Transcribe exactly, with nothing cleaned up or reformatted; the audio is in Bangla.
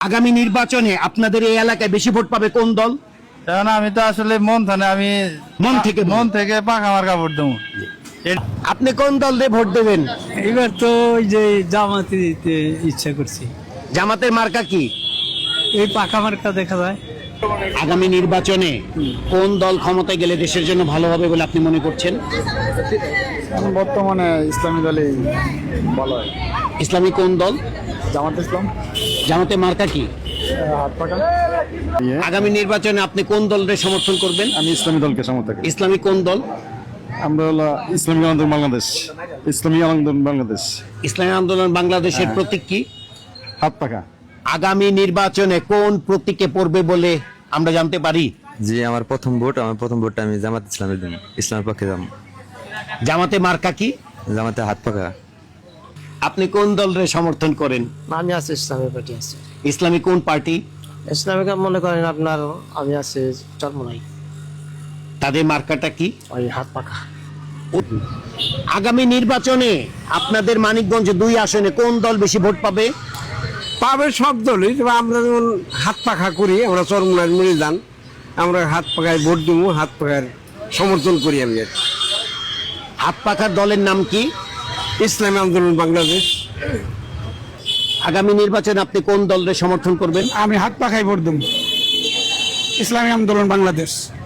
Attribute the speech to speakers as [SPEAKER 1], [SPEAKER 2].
[SPEAKER 1] আগামী নির্বাচনে আপনাদের এই এলাকায় বেশি ভোট পাবে কোন দল?
[SPEAKER 2] কারণ আমি তো আসলে মন থানে আমি
[SPEAKER 1] মন থেকে
[SPEAKER 2] মন থেকে পাকা মার্কা ভোট দেবো।
[SPEAKER 1] আপনি কোন দল দিয়ে ভোট দেবেন?
[SPEAKER 3] এবার তো ওই যে জামাতে দিতে ইচ্ছা করছি।
[SPEAKER 1] জামাতের মার্কা কি?
[SPEAKER 3] এই পাকা মার্কা দেখা যায়।
[SPEAKER 1] আগামী নির্বাচনে কোন দল ক্ষমতায় গেলে দেশের জন্য ভালো হবে বলে আপনি মনে করছেন?
[SPEAKER 2] বর্তমানে ইসলামী দলে ভালো হয়।
[SPEAKER 1] ইসলামী কোন দল?
[SPEAKER 2] জামাত ইসলাম।
[SPEAKER 1] জামাতের মার্কা কি?
[SPEAKER 2] হাত পাকা।
[SPEAKER 1] আগামী নির্বাচনে আপনি কোন দলের সমর্থন করবেন?
[SPEAKER 4] আমি ইসলামী দলকে সমর্থন করি।
[SPEAKER 1] ইসলামী কোন দল?
[SPEAKER 4] আমরা হলো ইসলামী আন্দোলন বাংলাদেশ। ইসলামী আন্দোলন বাংলাদেশ।
[SPEAKER 1] ইসলামী আন্দোলন বাংলাদেশের
[SPEAKER 4] হ্যাঁ।
[SPEAKER 1] প্রতীক কি?
[SPEAKER 4] হাত পাকা।
[SPEAKER 1] আগামী নির্বাচনে কোন প্রতীকে পড়বে বলে আমরা জানতে পারি?
[SPEAKER 5] জি, আমার প্রথম ভোট আমার প্রথম ভোটটা আমি জামাত ইসলামের জন্য ইসলামের পক্ষে যাব।
[SPEAKER 1] জামাতে মার্কা কি?
[SPEAKER 5] জামাতে হাত পাকা।
[SPEAKER 1] আপনি কোন দলের সমর্থন করেন?
[SPEAKER 6] আমি আছি ইসলামী পার্টি আছে।
[SPEAKER 1] ইসলামী কোন পার্টি?
[SPEAKER 6] ইসলামিক মনে করেন আপনার আমি আছি চরমনাই,
[SPEAKER 1] তাদের মার্কাটা কি?
[SPEAKER 6] ওই হাত পাখা।
[SPEAKER 1] আগামী নির্বাচনে আপনাদের মানিকগঞ্জ দুই আসনে কোন দল বেশি ভোট পাবে?
[SPEAKER 7] পাবে সব দলই, তবে আমরা যেমন হাত পাখা করি, আমরা চরমুনার মরে যান, আমরা হাত পাখায় ভোট দিব, হাত পাখার সমর্থন করি। আমি
[SPEAKER 1] হাত পাখার দলের নাম কি?
[SPEAKER 7] ইসলামী আন্দোলন বাংলাদেশ।
[SPEAKER 1] আগামী নির্বাচনে আপনি কোন দলের সমর্থন করবেন?
[SPEAKER 7] আমি হাত পাখায় ভোট দেব, ইসলামী আন্দোলন বাংলাদেশ।